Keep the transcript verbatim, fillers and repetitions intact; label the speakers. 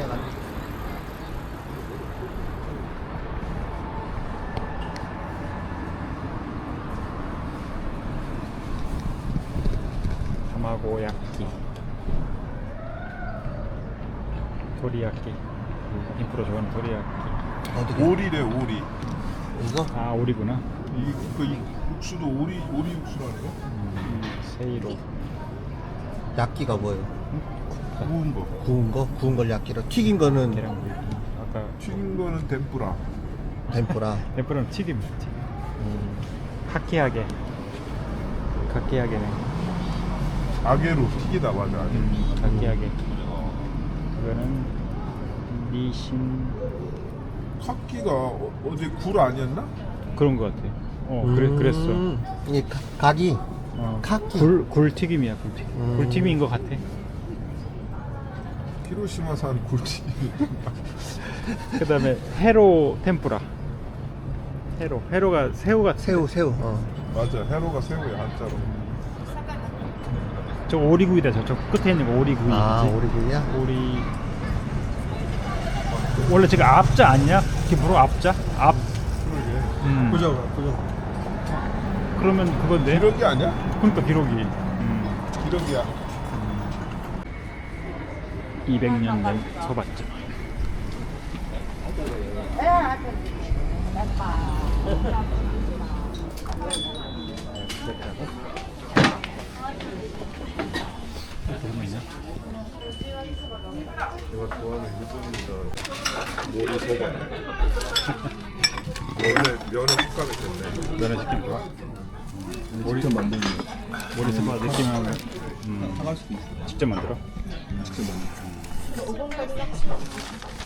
Speaker 1: 해가지고.
Speaker 2: 타마고야끼, 도리야끼. 인프로 좋아하는 도리야끼.
Speaker 1: 어떻게?
Speaker 3: 오리래 오리.
Speaker 1: 이거?
Speaker 2: 아, 오리구나.
Speaker 3: 이그 이 육수도 오리 오리 육수라는 거?
Speaker 2: 음, 세이로.
Speaker 1: 야끼가 뭐예요?
Speaker 3: 구운 거.
Speaker 1: 구운 거? 구운 걸 야끼로. 튀긴 거는
Speaker 2: 계란구이. 아까
Speaker 3: 튀긴 거는 덴뿌라.
Speaker 1: 덴뿌라.
Speaker 2: 엠프로는 튀김. 튀김.
Speaker 1: 음.
Speaker 2: 카키하게. 카키하게네.
Speaker 3: 아게로 튀기다 맞아. 아게.
Speaker 2: 음, 카키하게. 이거는 니신.
Speaker 3: 카키가 어, 어제 굴 아니었나?
Speaker 2: 그런 거 같아. 어, 그래 그랬어.
Speaker 1: 음. 이 가- 각이
Speaker 2: 어,
Speaker 1: 카키.
Speaker 2: 굴 굴튀김이야, 굴튀김.
Speaker 1: 음.
Speaker 2: 굴튀김인 것 같아.
Speaker 3: 히로시마산 굴튀기.
Speaker 2: 그다음에 해로 템뿌라. 해로. 해로가 새우 같은.
Speaker 1: 새우 새우. 어.
Speaker 3: 맞아. 해로가 새우야 한자로.
Speaker 2: 저 오리구이다. 저쪽 끝에 있는 거 오리구이.
Speaker 1: 아
Speaker 2: 그치?
Speaker 1: 오리구이야?
Speaker 2: 오리. 원래 지금 앞자 아니야? 기부로 앞자? 앞.
Speaker 3: 그러게.
Speaker 2: 음.
Speaker 1: 그죠 그죠.
Speaker 2: 그러면 그건데.
Speaker 3: 기러기 아니야?
Speaker 2: 그러니까 기록이. 음.
Speaker 3: 기러기야.
Speaker 2: 이백 년 된 소밭집. 그런 있냐?
Speaker 3: 내가 좋아하는 일본인들 모리 소바. 원래 면은 숟가락 됐네.
Speaker 2: 면을 시키면 좋아.
Speaker 4: 직접 만드는 거.
Speaker 2: 머리 소바 느낌하면 음,
Speaker 4: 사갈 수도 있어.
Speaker 2: 직접 만들어.
Speaker 4: 직접 만드는 거.